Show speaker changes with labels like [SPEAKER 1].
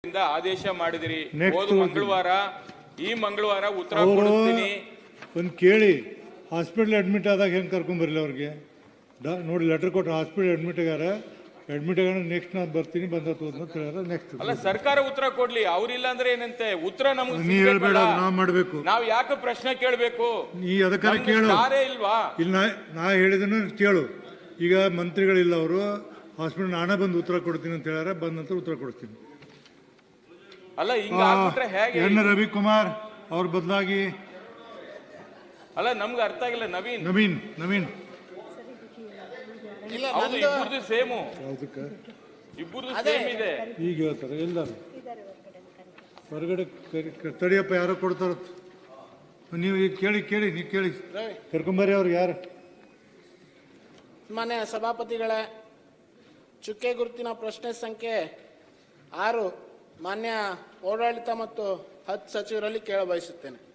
[SPEAKER 1] ಆದೇಶ ಮಾಡಿದಿರಿ. ಈ ಮಂಗಳವಾರ ಉತ್ತರ ಕೊಡ್ತೀನಿ.
[SPEAKER 2] ಒಂದು ಕೇಳಿ, ಹಾಸ್ಪಿಟಲ್ ಅಡ್ಮಿಟ್ ಆದಾಗ ಹೆಂಗೆ ಕರ್ಕೊಂಬರಲಿ ಅವ್ರಿಗೆ? ನೋಡಿ, ಲೆಟರ್ ಕೊಟ್ಟು ಹಾಸ್ಪಿಟಲ್ ಅಡ್ಮಿಟ್ ಆಗಾರ ನೆಕ್ಸ್ಟ್ ನಾನು ಬರ್ತೀನಿ ಬಂದ ನೆಕ್ಸ್ಟ್
[SPEAKER 1] ಅಲ್ಲ, ಸರ್ಕಾರ ಉತ್ತರ ಕೊಡ್ಲಿ. ಅವ್ರಿಲ್ಲ ಅಂದ್ರೆ ಏನಂತೆ ಉತ್ತರ ನಮಗೆ
[SPEAKER 2] ನೀ ಹೇಳ್ಬೇಡ, ನಾವು ಮಾಡಬೇಕು.
[SPEAKER 1] ನಾವು ಯಾಕೆ ಪ್ರಶ್ನೆ ಕೇಳಬೇಕು?
[SPEAKER 2] ನೀ ಅದಕ್ಕಾರ ಕೇಳು.
[SPEAKER 1] ಇಲ್ವಾ?
[SPEAKER 2] ಇಲ್ಲ, ನಾ ಹೇಳಿದನು ಕೇಳು. ಈಗ ಮಂತ್ರಿಗಳಿಲ್ಲ, ಅವರು ಹಾಸ್ಪಿಟಲ್ ನಾನೇ ಬಂದು ಉತ್ತರ ಕೊಡ್ತೀನಿ ಅಂತ ಹೇಳ್ಯಾರ. ಬಂದ ನಂತರ ಉತ್ತರ ಕೊಡ್ತೀನಿ.
[SPEAKER 1] ಅಲ್ಲ, ಹಿಂಗ ಆಗ್ಬಿಟ್ರೆ ಹೇಗೆ?
[SPEAKER 2] ಎನ್ ರವಿಕುಮಾರ್ ಅವ್ರ ಬದಲಾಗಿ
[SPEAKER 1] ಅಲ್ಲ, ನಮ್ಗೆ ಅರ್ಥ ಆಗಿಲ್ಲ.
[SPEAKER 2] ನವೀನ್
[SPEAKER 1] ಇಬ್ಬರದು ಸೇಮು, ಇಬ್ಬರದು ಸೇಮ್ ಇದೆ.
[SPEAKER 2] ಈಗ ಹೇಳ್ತಾರೆ ಎಲ್ಲಾರು ಹೊರಗಡೆ ತಡಿಯಪ್ಪ, ಯಾರೋ ಕೊಡ್ತಾರ. ನೀವು ಈಗ ಕೇಳಿ ನೀವು ಕೇಳಿ ಕರ್ಕೊಂಬರ್ರಿ. ಅವ್ರು ಯಾರು?
[SPEAKER 3] ಮಾನ್ಯ ಸಭಾಪತಿಗಳೇ, ಚುಕ್ಕೆ ಗುರುತಿನ ಪ್ರಶ್ನೆ ಸಂಖ್ಯೆ 6 ಮಾನ್ಯ ಓಡಾಡಳಿತ ಮತ್ತು ಹಜ್ ಸಚಿವರಲ್ಲಿ ಕೇಳಬಯಸುತ್ತೇನೆ.